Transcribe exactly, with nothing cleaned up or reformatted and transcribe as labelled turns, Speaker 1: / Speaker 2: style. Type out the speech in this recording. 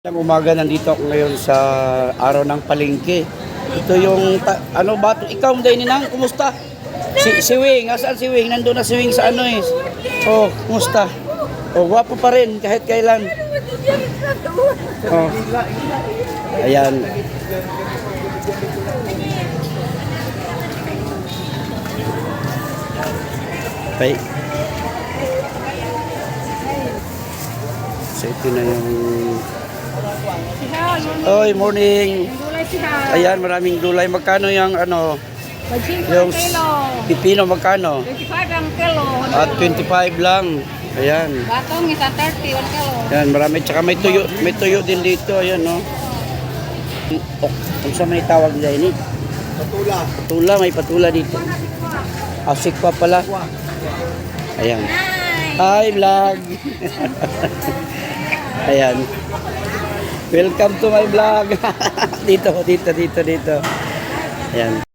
Speaker 1: Ng umaga nandito ako ngayon sa araw ng palengke. Ito yung ta- ano ba to? Ikaw day ninang, kumusta? Si si Wing, asan si Wing? Nandoon na si Wing sa ano eh. Oh, kumusta? Oh, gwapo pa rin kahit kailan. Oh. Ayan. Bye. So ito na yung Oy, morning. Ayan, maraming gulay. Magkano yung ano? Yung pipino magkano?
Speaker 2: twenty-five ang kilo.
Speaker 1: At twenty-five lang. Ayan.
Speaker 2: Batong isa thirty ang kilo.
Speaker 1: Ayan, marami. Tsaka may tuyo, may tuyo din dito. Ayan, no? Oh, kung sa may tawag nila ini? Patula. Patula, may patula dito. Asik pa pala. Ayan. Hi, vlog. Ayan. Welcome to my vlog. Dito, dito, dito, dito. Ayan.